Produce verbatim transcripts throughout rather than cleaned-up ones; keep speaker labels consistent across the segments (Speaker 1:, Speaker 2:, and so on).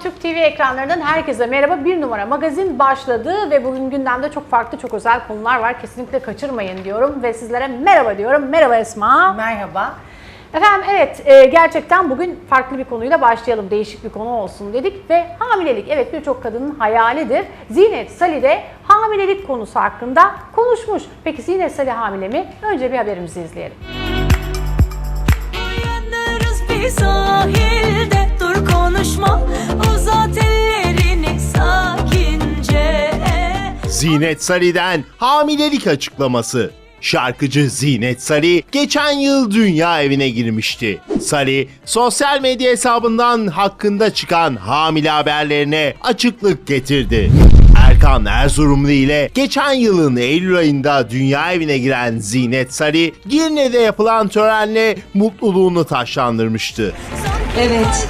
Speaker 1: Türk T V ekranlarından herkese merhaba. Bir numara magazin başladı ve bugün gündemde çok farklı, çok özel konular var. Kesinlikle kaçırmayın diyorum ve sizlere merhaba diyorum. Merhaba Esma.
Speaker 2: Merhaba.
Speaker 1: Efendim evet, e, gerçekten bugün farklı bir konuyla başlayalım. Değişik bir konu olsun dedik ve hamilelik, evet birçok kadının hayalidir. Zinet Salih de hamilelik konusu hakkında konuşmuş. Peki Zinet Salih hamile mi? Önce bir haberimizi izleyelim.
Speaker 3: Uyanırız bir sahilde, dur konuşma, uzat ellerini sakince.
Speaker 4: Zinet Salih'den hamilelik açıklaması. Şarkıcı Zinet Salih geçen yıl dünya evine girmişti. Salih, sosyal medya hesabından hakkında çıkan hamile haberlerine açıklık getirdi. Erkan Erzurumlu ile geçen yılın Eylül ayında dünya evine giren Zinet Salih, Girne'de yapılan törenle mutluluğunu taşlandırmıştı.
Speaker 3: Evet.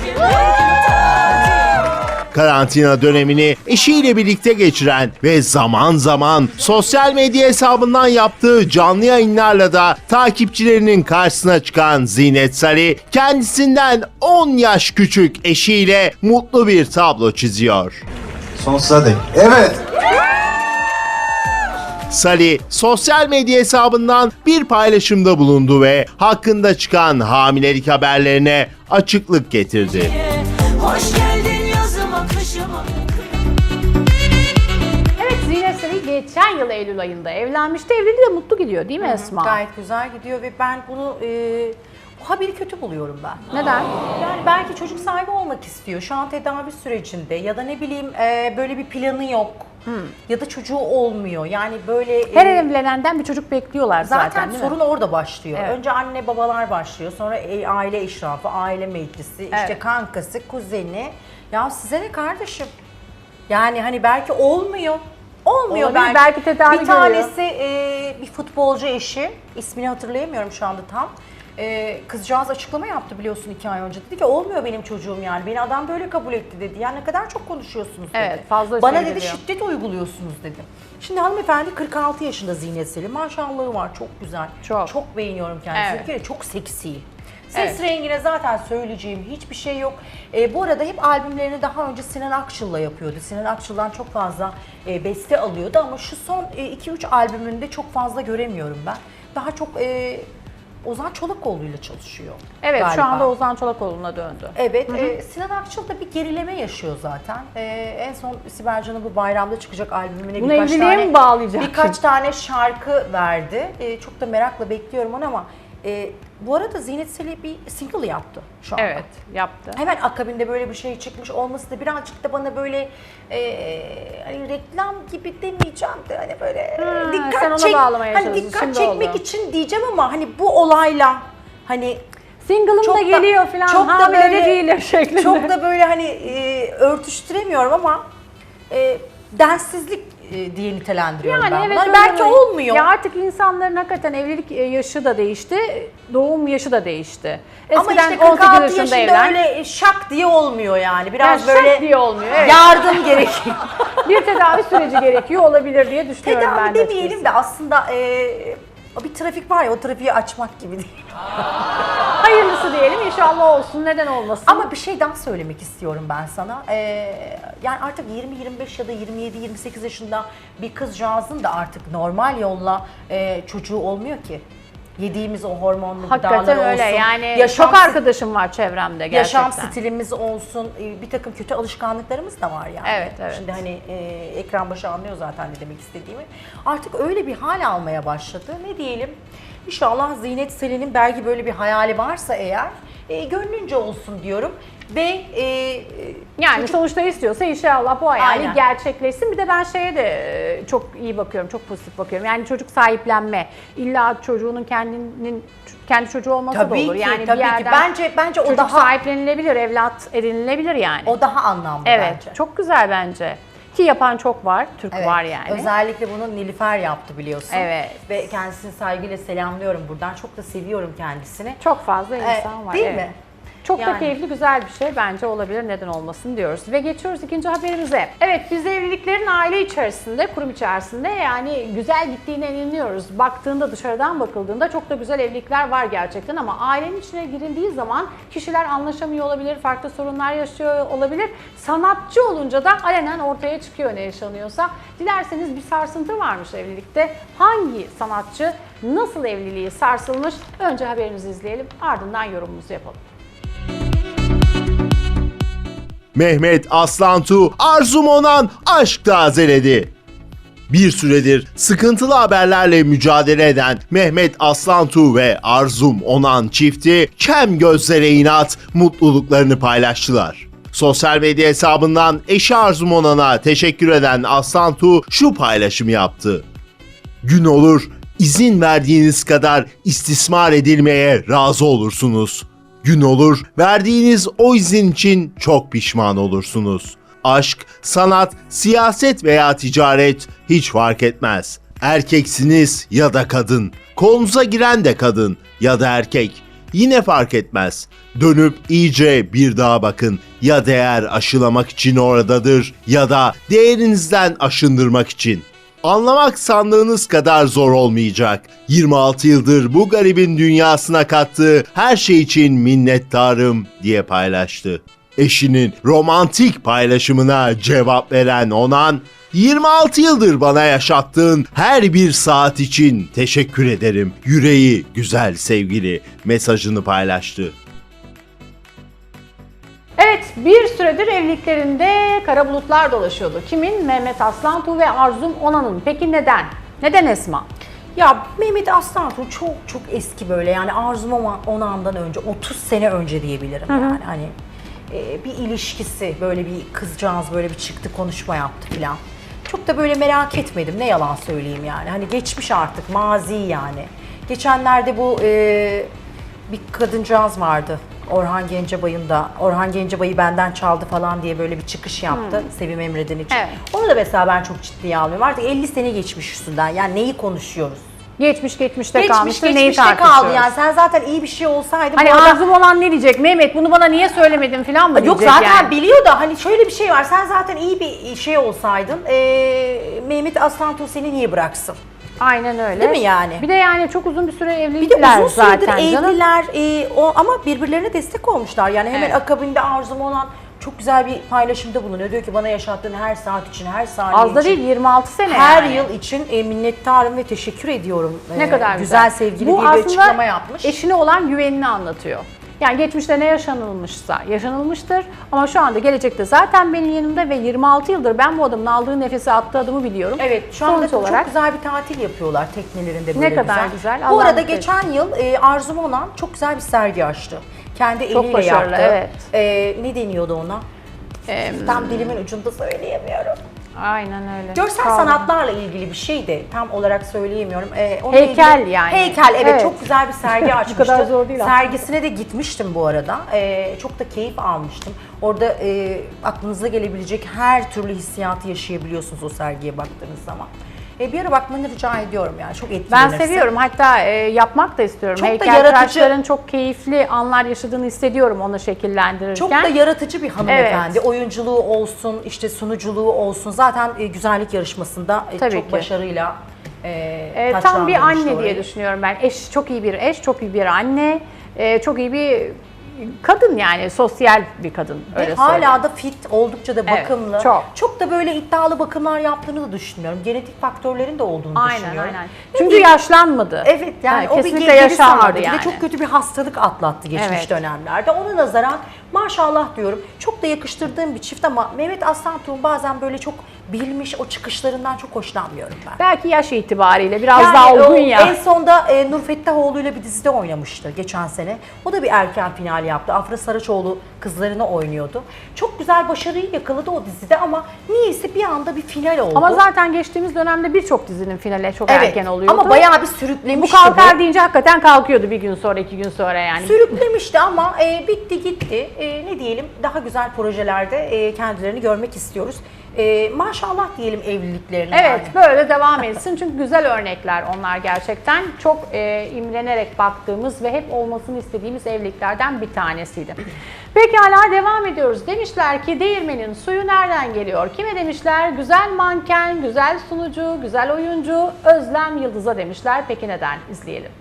Speaker 4: Karantina dönemini eşiyle birlikte geçiren ve zaman zaman sosyal medya hesabından yaptığı canlı yayınlarla da takipçilerinin karşısına çıkan Zinet Salih, kendisinden on yaş küçük eşiyle mutlu bir tablo çiziyor.
Speaker 5: Sonsuza dek. Evet.
Speaker 4: Salih, sosyal medya hesabından bir paylaşımda bulundu ve hakkında çıkan hamilelik haberlerine açıklık getirdi.
Speaker 3: Hoş geldin yazıma, kışıma.
Speaker 1: Evet, Zinet Salih geçen yıl Eylül ayında evlenmişti. Evliliği de mutlu gidiyor değil mi Esma?
Speaker 2: Gayet güzel gidiyor ve ben bunu e, bu haberi kötü buluyorum ben.
Speaker 1: Neden?
Speaker 2: Yani belki çocuk sahibi olmak istiyor. Şu an tedavi sürecinde ya da ne bileyim e, böyle bir planı yok. Ya da çocuğu olmuyor. Yani böyle e,
Speaker 1: Her evlenenden bir çocuk bekliyorlar zaten,
Speaker 2: zaten
Speaker 1: değil
Speaker 2: sorun
Speaker 1: mi?
Speaker 2: orada başlıyor.
Speaker 1: Evet.
Speaker 2: Önce anne babalar başlıyor. Sonra e, aile işrafı, aile meclisi, işte
Speaker 1: Evet.
Speaker 2: kankası, kuzeni. Ya size ne kardeşim? Yani hani belki olmuyor. Olmuyor
Speaker 1: Olabilir,
Speaker 2: belki.
Speaker 1: belki tedavi
Speaker 2: Bir tanesi e, bir futbolcu eşi, ismini hatırlayamıyorum şu anda tam. E, kızcağız açıklama yaptı biliyorsun iki ay önce. Dedi ki olmuyor benim çocuğum yani. Beni adam böyle kabul etti dedi. Yani ne kadar çok konuşuyorsunuz dedi.
Speaker 1: Evet, fazla
Speaker 2: Bana
Speaker 1: söyleniyor.
Speaker 2: dedi şiddet uyguluyorsunuz dedi. Şimdi hanımefendi kırk altı yaşında Zinet Salih. Maşallahı var, çok güzel.
Speaker 1: Çok.
Speaker 2: Çok beğeniyorum kendisini.
Speaker 1: Evet.
Speaker 2: Bir kere çok seksi. Ses
Speaker 1: Evet.
Speaker 2: rengine zaten söyleyeceğim hiçbir şey yok. E, bu arada hep albümlerini daha önce Sinan Akçıl'la yapıyordu. Sinan Akçıl'dan çok fazla e, beste alıyordu ama şu son iki üç albümünde çok fazla göremiyorum ben. Daha çok e, Ozan Çolakoğlu'yla çalışıyor.
Speaker 1: Evet, şu
Speaker 2: galiba.
Speaker 1: anda Ozan Çolakoğlu'na döndü.
Speaker 2: Evet, e, Sinan Akçıl da bir gerileme yaşıyor zaten. E, en son Sibel Can'ın bu bayramda çıkacak albümüne
Speaker 1: Bunu
Speaker 2: birkaç
Speaker 1: evliliğe
Speaker 2: tane
Speaker 1: mi bağlayacak?
Speaker 2: birkaç tane şarkı verdi. E, çok da merakla bekliyorum onu ama e, bu arada Zinet Salih bir single yaptı şu anda.
Speaker 1: Evet, yaptı.
Speaker 2: Hemen akabinde böyle bir şey çıkmış olması da birazcık da bana böyle e, hani reklam gibi demeyeceğim de hani böyle
Speaker 1: Ha,
Speaker 2: dikkat
Speaker 1: sen ona
Speaker 2: çek,
Speaker 1: bağlamaya
Speaker 2: hani
Speaker 1: çalışıyorsun,
Speaker 2: dikkat
Speaker 1: şimdi
Speaker 2: çekmek
Speaker 1: oldu.
Speaker 2: için diyeceğim ama hani bu olayla hani
Speaker 1: Single'ım
Speaker 2: çok
Speaker 1: da geliyor falan,
Speaker 2: çok da
Speaker 1: hamile de
Speaker 2: böyle-
Speaker 1: değilim şeklinde.
Speaker 2: çok da böyle hani e, örtüştüremiyorum ama e, denssizlik e, diye nitelendiriyorum
Speaker 1: Yani
Speaker 2: ben.
Speaker 1: evet,
Speaker 2: Bunlar
Speaker 1: öyle
Speaker 2: belki
Speaker 1: böyle.
Speaker 2: olmuyor.
Speaker 1: Ya artık insanların hakikaten evlilik e, yaşı da değişti, doğum yaşı da değişti.
Speaker 2: Ama
Speaker 1: Eskiden
Speaker 2: işte
Speaker 1: on sekiz
Speaker 2: kırk altı
Speaker 1: yaşında
Speaker 2: yaşında
Speaker 1: evlen.
Speaker 2: öyle şak diye olmuyor yani.
Speaker 1: Yani
Speaker 2: Biraz
Speaker 1: şak
Speaker 2: böyle
Speaker 1: diye olmuyor. Evet.
Speaker 2: yardım gerekiyor.
Speaker 1: Bir tedavi süreci gerekiyor olabilir diye düşünüyorum ben
Speaker 2: Tedavi
Speaker 1: de.
Speaker 2: demeyelim
Speaker 1: açıkçası.
Speaker 2: de aslında e, bir trafik var ya, o trafiği açmak gibi değil.
Speaker 1: Hayırlısı diyelim, inşallah olsun, neden olmasın.
Speaker 2: Ama bir şey daha söylemek istiyorum ben sana. Ee, yani artık yirmi yirmi beş ya da yirmi yedi yirmi sekiz yaşında bir kızcağızın da artık normal yolla e, çocuğu olmuyor ki. Yediğimiz o hormonlu
Speaker 1: Hakikaten
Speaker 2: gıdalar
Speaker 1: öyle
Speaker 2: olsun.
Speaker 1: yani,
Speaker 2: yaşam
Speaker 1: çok
Speaker 2: sti-
Speaker 1: arkadaşım var çevremde gerçekten.
Speaker 2: Yaşam stilimiz olsun, e, bir takım kötü alışkanlıklarımız da var yani.
Speaker 1: Evet, evet.
Speaker 2: Şimdi hani e, ekran başı anlıyor zaten ne demek istediğimi. Artık öyle bir hal almaya başladı. Ne diyelim? İnşallah Zinet Salih'in belki böyle bir hayali varsa eğer e, gönlünce olsun diyorum. Ve e,
Speaker 1: Yani
Speaker 2: çocuk-
Speaker 1: sonuçta istiyorsa inşallah bu hayali
Speaker 2: Aynen.
Speaker 1: gerçekleşsin. Bir de ben şeye de e, çok iyi bakıyorum, çok pozitif bakıyorum. Yani çocuk sahiplenme. İlla çocuğunun kendinin kendi çocuğu olması
Speaker 2: Tabii
Speaker 1: da olur.
Speaker 2: ki,
Speaker 1: Yani
Speaker 2: tabii
Speaker 1: bir
Speaker 2: ki.
Speaker 1: yerden
Speaker 2: Bence- bence o
Speaker 1: çocuk
Speaker 2: daha-
Speaker 1: sahiplenilebilir, evlat edinilebilir yani.
Speaker 2: o daha anlamlı
Speaker 1: evet,
Speaker 2: bence.
Speaker 1: çok güzel bence. Ki yapan çok var, Türk
Speaker 2: Evet,
Speaker 1: var yani.
Speaker 2: Özellikle bunu Nilüfer yaptı biliyorsun.
Speaker 1: Evet.
Speaker 2: Ve kendisini saygıyla selamlıyorum buradan. Çok da seviyorum kendisini.
Speaker 1: Çok fazla
Speaker 2: Ee,
Speaker 1: insan var.
Speaker 2: Değil
Speaker 1: evet.
Speaker 2: mi?
Speaker 1: Çok da
Speaker 2: Yani.
Speaker 1: keyifli, güzel bir şey bence, olabilir, neden olmasın diyoruz. Ve geçiyoruz ikinci haberimize. Evet, biz evliliklerin aile içerisinde, kurum içerisinde yani güzel gittiğine inanıyoruz. Baktığında, dışarıdan bakıldığında çok da güzel evlilikler var gerçekten ama ailenin içine girildiği zaman kişiler anlaşamıyor olabilir, farklı sorunlar yaşıyor olabilir. Sanatçı olunca da alenen ortaya çıkıyor ne yaşanıyorsa. Dilerseniz bir sarsıntı varmış evlilikte. Hangi sanatçı nasıl evliliği sarsılmış? Önce haberimizi izleyelim, ardından yorumumuzu yapalım.
Speaker 4: Mehmet Aslantu, Arzu Monan aşk tazeledi. Bir süredir sıkıntılı haberlerle mücadele eden Mehmet Aslantu ve Arzum Onan çifti kem gözlere inat mutluluklarını paylaştılar. Sosyal medya hesabından eşi Arzum Onan'a teşekkür eden Aslantu şu paylaşımı yaptı. Gün olur, izin verdiğiniz kadar istismar edilmeye razı olursunuz. Gün olur, verdiğiniz o izin için çok pişman olursunuz. Aşk, sanat, siyaset veya ticaret hiç fark etmez. Erkeksiniz ya da kadın, kolunuza giren de kadın ya da erkek. Yine fark etmez. Dönüp iyice bir daha bakın. Ya değer aşılamak için oradadır ya da değerinizden aşındırmak için. Anlamak sandığınız kadar zor olmayacak. yirmi altı yıldır bu garibin dünyasına kattığı her şey için minnettarım diye paylaştı. Eşinin romantik paylaşımına cevap veren Onan, yirmi altı yıldır bana yaşattığın her bir saat için teşekkür ederim. Yüreği güzel sevgili mesajını paylaştı.
Speaker 1: Evet, bir süredir evliliklerinde kara bulutlar dolaşıyordu. Kimin? Mehmet Aslantu ve Arzum Onan'ın. Peki neden? Neden Esma?
Speaker 2: Ya Mehmet Aslantu çok çok eski böyle, yani Arzum Onan'dan önce, otuz sene önce diyebilirim yani. Hani e, bir ilişkisi, böyle bir kızcağız böyle bir çıktı, konuşma yaptı filan. Çok da böyle merak etmedim, ne yalan söyleyeyim yani. Hani geçmiş artık, mazi yani. Geçenlerde bu e, bir kadıncağız vardı. Orhan Gencebay'ın da, Orhan Gencebay'ı benden çaldı falan diye böyle bir çıkış yaptı hmm. Sevim Emre'den için.
Speaker 1: Evet.
Speaker 2: Onu da mesela ben çok ciddiye almıyorum. Artık elli sene geçmiş üstünden. Yani neyi konuşuyoruz?
Speaker 1: Geçmiş geçmişte
Speaker 2: Geçmiş
Speaker 1: kalmıştı, neyi
Speaker 2: geçmişte
Speaker 1: tartışıyoruz?
Speaker 2: kaldı yani. Sen zaten iyi bir şey olsaydın.
Speaker 1: Hani
Speaker 2: bu arada-
Speaker 1: Arzum Onan ne diyecek? Mehmet bunu bana niye söylemedin falan mı
Speaker 2: Yok
Speaker 1: diyecek
Speaker 2: zaten
Speaker 1: yani?
Speaker 2: biliyor da, hani şöyle bir şey var. Sen zaten iyi bir şey olsaydın, ee, Mehmet Aslantu seni niye bıraksın?
Speaker 1: Aynen öyle.
Speaker 2: Değil mi yani?
Speaker 1: Bir de yani çok uzun bir süre
Speaker 2: Bir de
Speaker 1: evlilikler
Speaker 2: uzun süredir
Speaker 1: zaten canım.
Speaker 2: evliler e, o, ama birbirlerine destek olmuşlar. Yani hemen
Speaker 1: Evet.
Speaker 2: akabinde Arzum Onan çok güzel bir paylaşımda bulunuyor. Diyor ki bana yaşattığın her saat için, her saniye
Speaker 1: Az da
Speaker 2: için,
Speaker 1: değil, yirmi altı sene
Speaker 2: her
Speaker 1: yani.
Speaker 2: yıl için e, minnettarım ve teşekkür ediyorum.
Speaker 1: Ne
Speaker 2: e,
Speaker 1: kadar güzel.
Speaker 2: güzel sevgili
Speaker 1: Bu
Speaker 2: diye bir
Speaker 1: aslında
Speaker 2: açıklama yapmış.
Speaker 1: eşine olan güvenini anlatıyor. Yani geçmişte ne yaşanılmışsa yaşanılmıştır ama şu anda gelecekte zaten benim yanımda ve yirmi altı yıldır ben bu adamın aldığı nefesi, attığı adımı biliyorum.
Speaker 2: Evet, şu anda
Speaker 1: Sonuç
Speaker 2: çok
Speaker 1: olarak
Speaker 2: güzel bir tatil yapıyorlar teknelerinde, böyle
Speaker 1: Ne kadar güzel,
Speaker 2: Bu
Speaker 1: Allah
Speaker 2: arada
Speaker 1: mutlu
Speaker 2: geçen yıl e, Arzum Onan çok güzel bir sergi açtı. Kendi
Speaker 1: Çok
Speaker 2: eliyle
Speaker 1: başarılı,
Speaker 2: yaptı.
Speaker 1: evet.
Speaker 2: E, ne deniyordu ona?
Speaker 1: Em,
Speaker 2: Tam dilimin ucunda söyleyemiyorum.
Speaker 1: aynen öyle.
Speaker 2: Görsel
Speaker 1: Kaldı.
Speaker 2: sanatlarla ilgili bir şey de tam olarak söyleyemiyorum. Ee, onunla
Speaker 1: Heykel
Speaker 2: ilgili-
Speaker 1: yani.
Speaker 2: Heykel, evet,
Speaker 1: Evet.
Speaker 2: çok güzel bir sergi açmıştı.
Speaker 1: kadar zor değil aslında.
Speaker 2: Sergisine de gitmiştim bu arada. Ee, çok da keyif almıştım. Orada e, aklınıza gelebilecek her türlü hissiyatı yaşayabiliyorsunuz o sergiye baktığınız zaman. E, bir ara bakmanı rica ediyorum yani, çok
Speaker 1: Ben
Speaker 2: etkilenirsin.
Speaker 1: seviyorum, hatta e, yapmak da istiyorum.
Speaker 2: Çok da
Speaker 1: Heykeltıraşların çok keyifli anlar yaşadığını hissediyorum onu şekillendirirken.
Speaker 2: Çok da yaratıcı bir hanımefendi.
Speaker 1: Evet.
Speaker 2: Oyunculuğu olsun, işte sunuculuğu olsun. Zaten e, güzellik yarışmasında e,
Speaker 1: Tabii
Speaker 2: çok
Speaker 1: ki.
Speaker 2: başarıyla e,
Speaker 1: E, tam bir
Speaker 2: taçlandırmıştı
Speaker 1: anne diye
Speaker 2: orayı.
Speaker 1: düşünüyorum ben. Eş, çok iyi bir eş, çok iyi bir anne, e, çok iyi bir kadın yani, sosyal bir kadın, öyle
Speaker 2: Ve
Speaker 1: söyleyeyim.
Speaker 2: hala da fit, oldukça da
Speaker 1: Evet,
Speaker 2: bakımlı.
Speaker 1: çok.
Speaker 2: Çok da böyle iddialı bakımlar yaptığını da düşünmüyorum. Genetik faktörlerin de olduğunu
Speaker 1: Aynen
Speaker 2: düşünüyorum.
Speaker 1: aynen.
Speaker 2: Ne
Speaker 1: Çünkü
Speaker 2: bileyim,
Speaker 1: yaşlanmadı.
Speaker 2: evet yani
Speaker 1: Ha,
Speaker 2: o bir
Speaker 1: kesinlikle
Speaker 2: geri
Speaker 1: yaşanmadı
Speaker 2: sardı.
Speaker 1: yani.
Speaker 2: Bir de çok kötü bir hastalık atlattı geçmiş
Speaker 1: Evet.
Speaker 2: dönemlerde. Ona nazaran maşallah diyorum. Çok da yakıştırdığım bir çift ama Mehmet Aslantuğ'un bazen böyle çok bilmiş o çıkışlarından çok hoşlanmıyorum ben.
Speaker 1: Belki yaş itibariyle biraz
Speaker 2: Yani
Speaker 1: daha
Speaker 2: o
Speaker 1: olgun ya.
Speaker 2: En sonda e, Nur Fettahoğlu ile bir dizide oynamıştı geçen sene. O da bir erken final yaptı. Afra Saraçoğlu kızlarını oynuyordu. Çok güzel başarıyı yakaladı o dizide ama niyeyse bir anda bir final oldu.
Speaker 1: Ama zaten geçtiğimiz dönemde birçok dizinin finali çok
Speaker 2: evet,
Speaker 1: erken oluyordu.
Speaker 2: ama bayağı bir
Speaker 1: bu
Speaker 2: sürüklemişti.
Speaker 1: kalkar deyince hakikaten kalkıyordu bir gün sonra, iki gün sonra yani.
Speaker 2: Sürüklemişti ama e, bitti gitti. E, ne diyelim, daha güzel projelerde e, kendilerini görmek istiyoruz. E, maşallah diyelim evliliklerine.
Speaker 1: Evet,
Speaker 2: yani.
Speaker 1: böyle devam etsin çünkü güzel örnekler onlar gerçekten. Çok e, imrenerek baktığımız ve hep olmasını istediğimiz evliliklerden bir tanesiydi. Pekala, devam ediyoruz. Demişler ki değirmenin suyu nereden geliyor? Kime demişler? Güzel manken, güzel sunucu, güzel oyuncu Özlem Yıldız'a demişler. Peki neden? İzleyelim.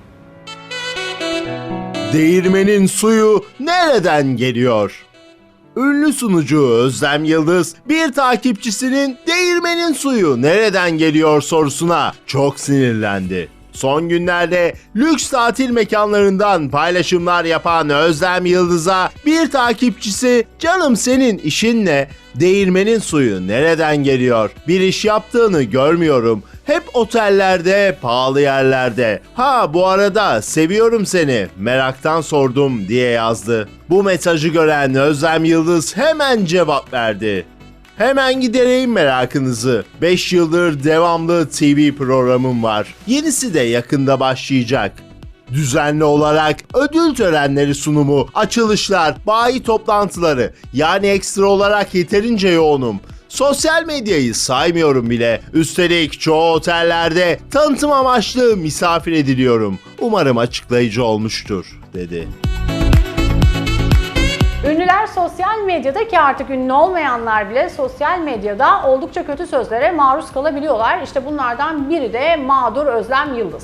Speaker 4: Değirmenin suyu nereden geliyor? Ünlü sunucu Özlem Yıldız bir takipçisinin değirmenin suyu nereden geliyor sorusuna çok sinirlendi. Son günlerde lüks tatil mekanlarından paylaşımlar yapan Özlem Yıldız'a bir takipçisi "Canım senin işin ne? Değirmenin suyu nereden geliyor? Bir iş yaptığını görmüyorum. Hep otellerde, pahalı yerlerde. Ha bu arada seviyorum seni. Meraktan sordum" diye yazdı. Bu mesajı gören Özlem Yıldız hemen cevap verdi. Hemen gidereyim merakınızı. beş yıldır devamlı T V programım var. Yenisi de yakında başlayacak. Düzenli olarak ödül törenleri sunumu, açılışlar, bayi toplantıları, yani ekstra olarak yeterince yoğunum. Sosyal medyayı saymıyorum bile. Üstelik çoğu otellerde tanıtım amaçlı misafir ediliyorum. Umarım açıklayıcı olmuştur, dedi.
Speaker 1: Ünlüler sosyal medyada, ki artık ünlü olmayanlar bile sosyal medyada oldukça kötü sözlere maruz kalabiliyorlar. İşte bunlardan biri de mağdur Özlem Yıldız.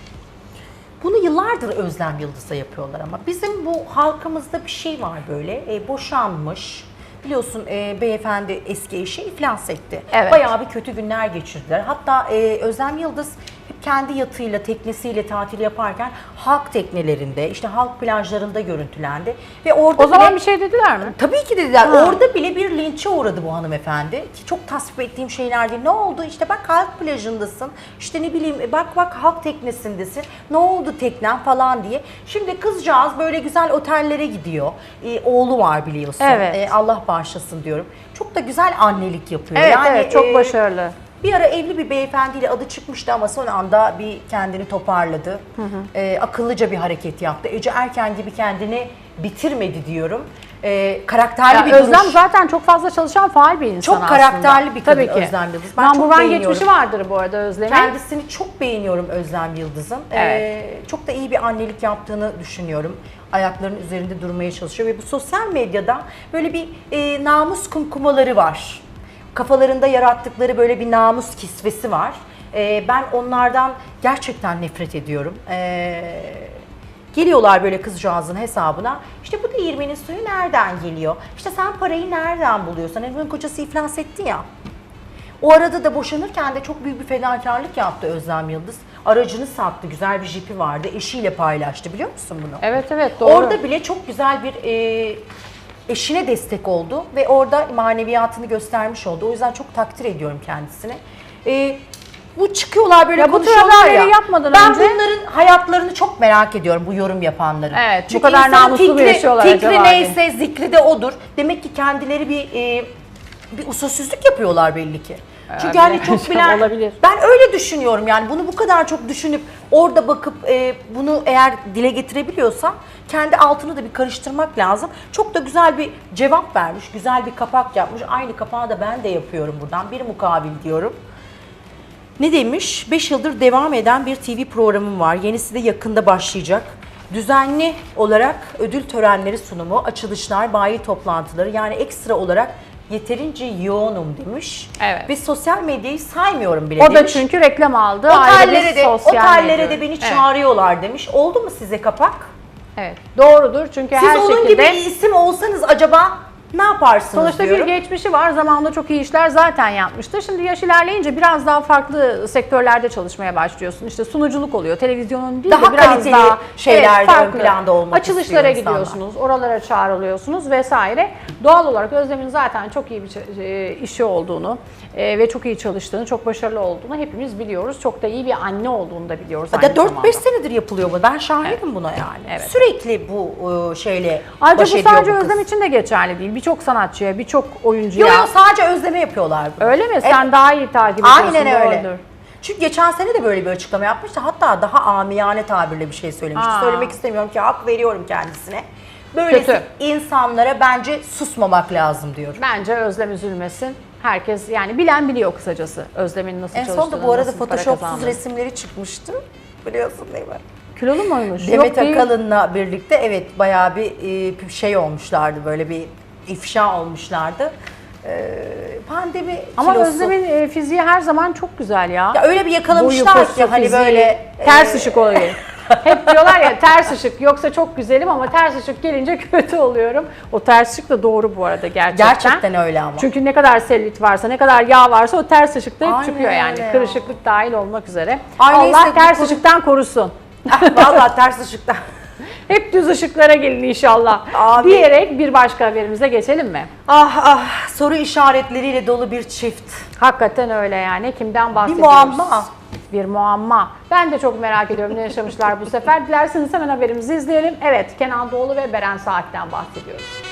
Speaker 2: Bunu yıllardır Özlem Yıldız'a yapıyorlar ama bizim bu halkımızda bir şey var böyle, e, boşanmış. Biliyorsun e, beyefendi eski eşi iflas etti.
Speaker 1: Evet.
Speaker 2: Bayağı bir kötü günler geçirdiler. Hatta e, Özlem Yıldız hep kendi yatıyla, teknesiyle tatil yaparken halk teknelerinde, işte halk plajlarında görüntülendi. Ve orada
Speaker 1: O zaman
Speaker 2: bile,
Speaker 1: bir şey dediler mi?
Speaker 2: tabii ki dediler.
Speaker 1: Ha.
Speaker 2: Orada bile bir linçe uğradı bu hanımefendi. Ki çok tasvip ettiğim şeyler değil. Ne oldu? İşte bak halk plajındasın. İşte ne bileyim bak bak halk teknesindesin. Ne oldu teknen falan diye. Şimdi kızcağız böyle güzel otellere gidiyor. Ee, oğlu var biliyorsun.
Speaker 1: Evet.
Speaker 2: Ee, Allah bağışlasın diyorum. Çok da güzel annelik yapıyor.
Speaker 1: Evet,
Speaker 2: yani,
Speaker 1: evet, çok
Speaker 2: e,
Speaker 1: başarılı.
Speaker 2: Bir ara evli bir beyefendiyle adı çıkmıştı ama son anda bir kendini toparladı. Hı hı. Ee, akıllıca bir hareket yaptı. Ece Erken gibi kendini bitirmedi diyorum. Ee, karakterli
Speaker 1: Ya
Speaker 2: bir
Speaker 1: Özlem
Speaker 2: duruş.
Speaker 1: zaten çok fazla çalışan faal bir insan
Speaker 2: Çok
Speaker 1: aslında.
Speaker 2: karakterli bir kadın
Speaker 1: Tabii ki.
Speaker 2: Özlem Yıldız. Ben çok
Speaker 1: Number one
Speaker 2: beğeniyorum.
Speaker 1: geçmişi vardır bu arada Özlem'in.
Speaker 2: Kendisini çok beğeniyorum Özlem Yıldız'ın.
Speaker 1: Evet.
Speaker 2: Ee, çok da iyi bir annelik yaptığını düşünüyorum. Ayaklarının üzerinde durmaya çalışıyor ve bu sosyal medyada böyle bir e, namus kumkumaları var. Kafalarında yarattıkları böyle bir namus kisvesi var. Ee, ben onlardan gerçekten nefret ediyorum. Ee, Geliyorlar böyle kızcağızın hesabına. İşte bu değirmenin suyu nereden geliyor? İşte sen parayı nereden buluyorsun? Hani bunun kocası iflas etti ya. O arada da boşanırken de çok büyük bir fedakarlık yaptı Özlem Yıldız. Aracını sattı, güzel bir jipi vardı. Eşiyle paylaştı, biliyor musun bunu?
Speaker 1: Evet evet, doğru.
Speaker 2: Orada bile çok güzel bir e, eşine destek oldu ve orada maneviyatını göstermiş oldu. O yüzden çok takdir ediyorum kendisini. E, bu çıkıyorlar böyle
Speaker 1: Ya bu tür
Speaker 2: konuşuyorlar ya.
Speaker 1: haberleri yapmadan
Speaker 2: ben
Speaker 1: önce-
Speaker 2: bunların hayatlarını çok merak ediyorum, bu yorum yapanların.
Speaker 1: Evet, bu
Speaker 2: Çünkü
Speaker 1: kadar
Speaker 2: insanın
Speaker 1: namuslu mu
Speaker 2: fikri-
Speaker 1: yaşıyorlar
Speaker 2: fikri
Speaker 1: acaba
Speaker 2: neyse zikri de odur. Demek ki kendileri bir e, bir usulsüzlük yapıyorlar belli ki. Çünkü hani çok bilen,
Speaker 1: Olabilir.
Speaker 2: ben öyle düşünüyorum yani bunu bu kadar çok düşünüp orada bakıp e, bunu eğer dile getirebiliyorsa kendi altını da bir karıştırmak lazım. Çok da güzel bir cevap vermiş, güzel bir kapak yapmış. Aynı kapağı da ben de yapıyorum buradan, bir mukabil diyorum. Ne demiş? beş yıldır devam eden bir T V programım var. Yenisi de yakında başlayacak. Düzenli olarak ödül törenleri sunumu, açılışlar, bayi toplantıları, yani ekstra olarak yeterince yoğunum demiş.
Speaker 1: Evet.
Speaker 2: Ve sosyal medyayı saymıyorum bile
Speaker 1: O
Speaker 2: demiş.
Speaker 1: da çünkü reklam aldı. Ayrı
Speaker 2: Otellere
Speaker 1: bir
Speaker 2: de,
Speaker 1: sosyal
Speaker 2: otellere
Speaker 1: medya.
Speaker 2: de beni
Speaker 1: Evet.
Speaker 2: çağırıyorlar demiş. Oldu mu size kapak?
Speaker 1: Evet, doğrudur çünkü
Speaker 2: Siz
Speaker 1: her
Speaker 2: onun
Speaker 1: şekilde...
Speaker 2: gibi bir isim olsanız acaba Ne yaparsınız
Speaker 1: Sonuçta
Speaker 2: diyorum.
Speaker 1: bir geçmişi var. Zamanında çok iyi işler zaten yapmıştı. Şimdi yaş ilerleyince biraz daha farklı sektörlerde çalışmaya başlıyorsun. İşte sunuculuk oluyor. Televizyonun değil
Speaker 2: Daha
Speaker 1: de biraz
Speaker 2: kaliteli
Speaker 1: daha
Speaker 2: şeylerde ön
Speaker 1: farklı.
Speaker 2: planda olmak
Speaker 1: Açılışlara
Speaker 2: istiyor insanlar.
Speaker 1: gidiyorsunuz. Oralara çağrılıyorsunuz vesaire. Doğal olarak Özlem'in zaten çok iyi bir ç- e, işi olduğunu e, ve çok iyi çalıştığını, çok başarılı olduğunu hepimiz biliyoruz. Çok da iyi bir anne olduğunu da biliyoruz aynı
Speaker 2: Ya dört
Speaker 1: zamanda.
Speaker 2: beş senedir yapılıyor bu. Ben şahidim buna yani.
Speaker 1: Evet.
Speaker 2: Sürekli bu e, şeyle
Speaker 1: Ayrıca
Speaker 2: baş
Speaker 1: bu
Speaker 2: ediyor
Speaker 1: sadece
Speaker 2: bu kız.
Speaker 1: Özlem için de geçerli değil. Birçok sanatçıya, birçok oyuncuya.
Speaker 2: Yok yok, sadece Özlem'e yapıyorlar bunu.
Speaker 1: Öyle mi? Sen
Speaker 2: Evet.
Speaker 1: daha iyi takip ediyorsun.
Speaker 2: Aynen öyle.
Speaker 1: doğrudur.
Speaker 2: Çünkü geçen sene de böyle bir açıklama yapmıştı. Hatta daha amiyane tabirle bir şey söylemişti.
Speaker 1: Aa.
Speaker 2: Söylemek istemiyorum ki hak veriyorum kendisine. Böylesi
Speaker 1: Kötü.
Speaker 2: insanlara bence susmamak lazım diyorum.
Speaker 1: Bence Özlem üzülmesin. Herkes yani bilen biliyor kısacası Özlem'in nasıl
Speaker 2: En
Speaker 1: çalıştığını,
Speaker 2: son da bu arada
Speaker 1: nasıl para
Speaker 2: photoshopsuz
Speaker 1: kazandığını.
Speaker 2: resimleri çıkmıştı. Biliyorsun değil mi?
Speaker 1: Kilolu muymuş?
Speaker 2: Demet
Speaker 1: Yok değil.
Speaker 2: Akalın'la birlikte evet bayağı bir e, şey olmuşlardı, böyle bir ifşa olmuşlardı. E, pandemi
Speaker 1: Ama
Speaker 2: kilosu.
Speaker 1: Özlem'in e, fiziği her zaman çok güzel ya.
Speaker 2: Ya öyle bir yakalamışlar
Speaker 1: Boyu,
Speaker 2: ki
Speaker 1: postu,
Speaker 2: hani
Speaker 1: fiziği,
Speaker 2: böyle
Speaker 1: ters
Speaker 2: e,
Speaker 1: ışık oluyor. Hep diyorlar ya ters ışık yoksa çok güzelim ama ters ışık gelince kötü oluyorum. O ters ışık da doğru bu arada gerçekten.
Speaker 2: Gerçekten öyle ama.
Speaker 1: Çünkü ne kadar selülit varsa, ne kadar yağ varsa o ters ışıkta hep
Speaker 2: Aynen
Speaker 1: çıkıyor yani.
Speaker 2: öyle ya.
Speaker 1: Kırışıklık dahil olmak üzere.
Speaker 2: Ay
Speaker 1: Allah
Speaker 2: neyse, bu
Speaker 1: ters
Speaker 2: konu-
Speaker 1: ışıktan korusun.
Speaker 2: Vallahi ters ışıkta.
Speaker 1: Hep düz ışıklara gelin inşallah.
Speaker 2: Abi.
Speaker 1: Diyerek bir başka haberimize geçelim mi?
Speaker 2: Ah ah, soru işaretleriyle dolu bir çift.
Speaker 1: Hakikaten öyle yani. Kimden bahsediyoruz?
Speaker 2: muamma.
Speaker 1: Bir muamma. Ben de çok merak ediyorum ne yaşamışlar bu sefer. Dilerseniz hemen haberimizi izleyelim. Evet, Kenan Doğulu ve Beren Saat'ten bahsediyoruz.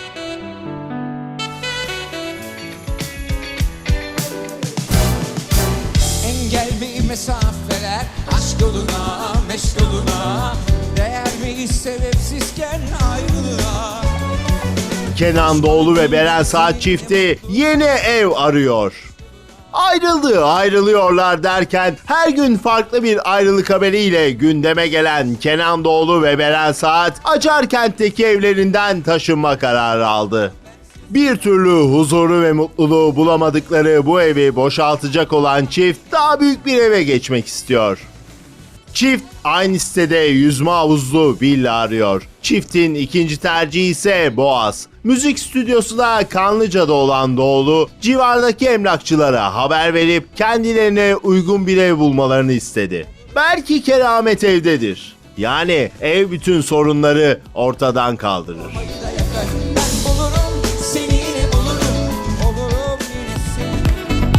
Speaker 6: Engel mi mesafeler aşk yoluna, meşk yoluna, değer miyiz sebepsizken ayrılığa?
Speaker 4: Kenan Doğulu ve Beren Saat çifti yeni ev arıyor. Ayrıldı, ayrılıyorlar derken her gün farklı bir ayrılık haberiyle gündeme gelen Kenan Doğulu ve Beren Saat, Acarkent'teki evlerinden taşınma kararı aldı. Bir türlü huzuru ve mutluluğu bulamadıkları bu evi boşaltacak olan çift daha büyük bir eve geçmek istiyor. Çift aynı sitede yüzme havuzlu villa arıyor. Çiftin ikinci tercihi ise Boğaz. Müzik stüdyosu da Kanlıca'da olan Doğulu, civardaki emlakçılara haber verip kendilerine uygun bir ev bulmalarını istedi. Belki keramet evdedir. Yani ev bütün sorunları ortadan kaldırır.
Speaker 6: Da yakar, ben bulurum, seni yine bulurum, olurum yine senin.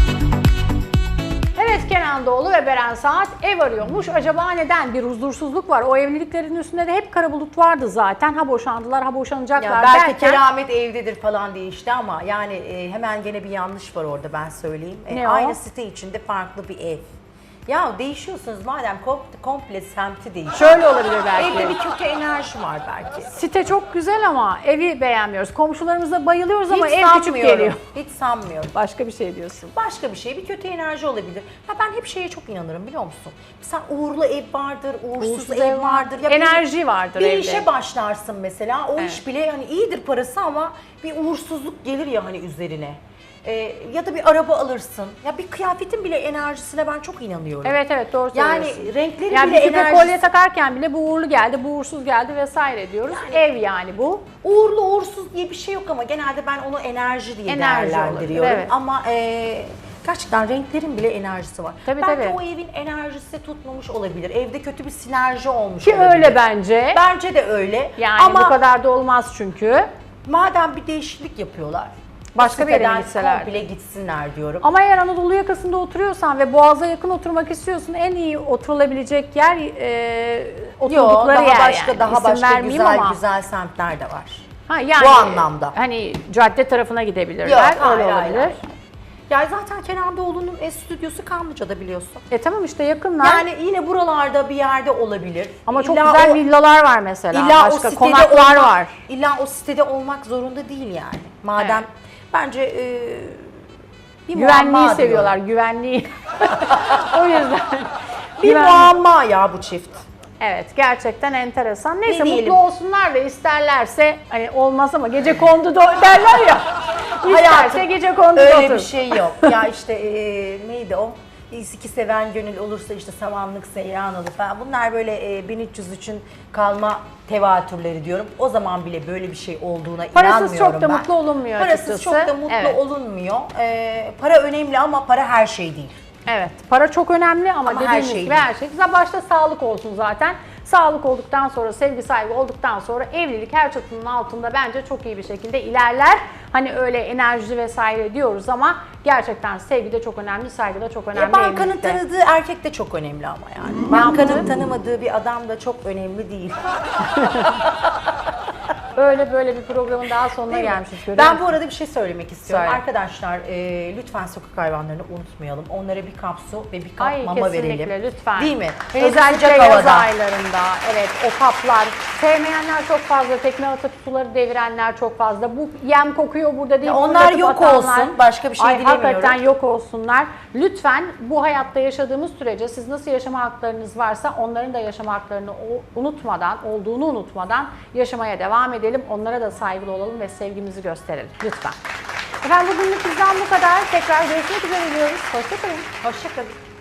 Speaker 1: Evet, Kenan Doğulu ve Beren Saat ev arıyormuş. Acaba neden? Bir huzursuzluk var. O evliliklerin üstünde de hep kara bulut vardı zaten. Ha boşandılar, ha boşanacaklar
Speaker 2: Ya belki
Speaker 1: derken.
Speaker 2: keramet evdedir falan diye işte ama yani e, hemen gene bir yanlış var orada, ben söyleyeyim. E,
Speaker 1: Ne o?
Speaker 2: aynı site içinde farklı bir ev. Ya değişiyorsunuz madem, kom- komple semti değişiyor.
Speaker 1: Şöyle olabilir belki.
Speaker 2: Evde bir kötü enerji var belki.
Speaker 1: Site çok güzel ama evi beğenmiyoruz. Komşularımıza bayılıyoruz ama
Speaker 2: Hiç
Speaker 1: ev küçük
Speaker 2: sanmıyorum.
Speaker 1: geliyor.
Speaker 2: Hiç sanmıyorum.
Speaker 1: Başka bir şey diyorsun.
Speaker 2: Başka bir şey, bir kötü enerji olabilir. Ya ben hep şeye çok inanırım, biliyor musun? Mesela uğurlu ev vardır, uğursuz,
Speaker 1: Uğursuz
Speaker 2: ev,
Speaker 1: ev
Speaker 2: vardır. Ya
Speaker 1: enerji
Speaker 2: bir,
Speaker 1: vardır
Speaker 2: bir
Speaker 1: evde.
Speaker 2: işe başlarsın mesela, o
Speaker 1: Evet.
Speaker 2: iş bile hani iyidir parası ama bir uğursuzluk gelir ya hani üzerine. Ee, ya da bir araba alırsın. Ya bir kıyafetin bile enerjisine ben çok inanıyorum.
Speaker 1: Evet evet doğru
Speaker 2: Yani
Speaker 1: söylüyorsun.
Speaker 2: renkleri
Speaker 1: Yani
Speaker 2: bile
Speaker 1: bir küpe
Speaker 2: enerjisi.
Speaker 1: kolye takarken bile bu uğurlu geldi, bu uğursuz geldi vesaire diyoruz. Ev yani bu.
Speaker 2: Uğurlu uğursuz diye bir şey yok ama genelde ben onu enerji diye
Speaker 1: Enerji
Speaker 2: değerlendiriyorum.
Speaker 1: olabilir, evet.
Speaker 2: Ama e, gerçekten renklerin bile enerjisi var.
Speaker 1: Tabii,
Speaker 2: Belki
Speaker 1: tabii.
Speaker 2: o evin enerjisi tutmamış olabilir. Evde kötü bir sinerji olmuş
Speaker 1: Ki
Speaker 2: olabilir.
Speaker 1: öyle bence.
Speaker 2: Bence de öyle.
Speaker 1: Yani
Speaker 2: ama
Speaker 1: bu kadar da olmaz çünkü.
Speaker 2: madem bir değişiklik yapıyorlar,
Speaker 1: Başka
Speaker 2: o
Speaker 1: bir yere
Speaker 2: siteden
Speaker 1: gitselerdi.
Speaker 2: komple gitsinler diyorum.
Speaker 1: Ama eğer Anadolu yakasında oturuyorsan ve Boğaz'a yakın oturmak istiyorsun, en iyi oturulabilecek yer e,
Speaker 2: Yo,
Speaker 1: oturdukları
Speaker 2: daha
Speaker 1: yer
Speaker 2: başka
Speaker 1: yani.
Speaker 2: daha
Speaker 1: İsim
Speaker 2: başka
Speaker 1: vermeyeyim
Speaker 2: güzel
Speaker 1: ama.
Speaker 2: güzel semtler de var.
Speaker 1: Ha, yani,
Speaker 2: bu anlamda.
Speaker 1: Hani cadde tarafına gidebilirler,
Speaker 2: Yok,
Speaker 1: öyle
Speaker 2: hayır, hayır,
Speaker 1: olabilir.
Speaker 2: hayır. Ya zaten Kenan Doğulu'nun ev stüdyosu Kanlıca'da, biliyorsun.
Speaker 1: E tamam işte yakınlar.
Speaker 2: Yani yine buralarda bir yerde olabilir.
Speaker 1: Ama çok
Speaker 2: İlla
Speaker 1: güzel
Speaker 2: o-
Speaker 1: villalar var mesela.
Speaker 2: İlla o
Speaker 1: Başka
Speaker 2: sitede
Speaker 1: konaklar
Speaker 2: olmak,
Speaker 1: var.
Speaker 2: İlla o sitede olmak zorunda değil yani. Madem
Speaker 1: Evet.
Speaker 2: bence e, bir
Speaker 1: Güvenliği
Speaker 2: muamma
Speaker 1: seviyorlar,
Speaker 2: diyorum.
Speaker 1: güvenliği. O yüzden.
Speaker 2: Bir
Speaker 1: Güvenlik.
Speaker 2: muamma ya bu çift.
Speaker 1: Evet, gerçekten enteresan. Neyse
Speaker 2: diyelim?
Speaker 1: mutlu olsunlar da isterlerse hani olmaz ama gece kondu da derler ya. İsterse
Speaker 2: Hayatım,
Speaker 1: gece kondu da
Speaker 2: Öyle
Speaker 1: otur.
Speaker 2: bir şey yok. Ya işte e, neydi o? iki seven gönül olursa işte samanlık seyran olur falan. Bunlar böyle e, bin üç yüz üçün kalma tevatürleri diyorum. O zaman bile böyle bir şey olduğuna
Speaker 1: Parasız
Speaker 2: inanmıyorum
Speaker 1: çok da
Speaker 2: ben.
Speaker 1: mutlu olunmuyor
Speaker 2: Parasız
Speaker 1: açıkçası.
Speaker 2: çok da mutlu
Speaker 1: Evet.
Speaker 2: olunmuyor. E, para önemli ama para her şey değil.
Speaker 1: Evet, para çok önemli ama,
Speaker 2: Ama her
Speaker 1: dediğimiz
Speaker 2: şey
Speaker 1: gibi
Speaker 2: değil.
Speaker 1: her şey. Güzel, başta sağlık olsun zaten. Sağlık olduktan sonra, sevgi saygı olduktan sonra evlilik her çatının altında bence çok iyi bir şekilde ilerler. Hani öyle enerji vesaire diyoruz ama gerçekten sevgi de çok önemli, saygı da çok önemli
Speaker 2: E, bankanın
Speaker 1: evlilikte.
Speaker 2: tanıdığı erkek de çok önemli ama yani. Bankanın tanımadığı bir adam da çok önemli değil.
Speaker 1: Öyle böyle bir programın daha sonuna
Speaker 2: Değil mi?
Speaker 1: gelmişiz. görüyor
Speaker 2: Ben
Speaker 1: musun?
Speaker 2: bu arada bir şey söylemek istiyorum.
Speaker 1: Söyle.
Speaker 2: Arkadaşlar e, lütfen sokak hayvanlarını unutmayalım. Onlara bir kap su ve bir kap
Speaker 1: Ay,
Speaker 2: mama
Speaker 1: kesinlikle,
Speaker 2: verelim.
Speaker 1: lütfen.
Speaker 2: Değil mi?
Speaker 1: Ve
Speaker 2: Hele
Speaker 1: özellikle
Speaker 2: sıcak
Speaker 1: yaz
Speaker 2: havada.
Speaker 1: aylarında, evet, o kaplar. Sevmeyenler çok fazla, tekme atıp suları devirenler çok fazla. Bu yem kokuyor burada değil.
Speaker 2: Ya onlar
Speaker 1: fırlatıp
Speaker 2: yok
Speaker 1: atanlar.
Speaker 2: olsun, başka bir şey
Speaker 1: Ay,
Speaker 2: dilemiyorum.
Speaker 1: hakikaten yok olsunlar. Lütfen bu hayatta yaşadığımız sürece siz nasıl yaşama haklarınız varsa onların da yaşama haklarını o- unutmadan, olduğunu unutmadan yaşamaya devam edelim. Onlara da saygılı olalım ve sevgimizi gösterelim. Lütfen. Efendim bugünlük bizden bu kadar. Tekrar görüşmek üzere diyoruz. Hoşçakalın.
Speaker 2: Hoşçakalın.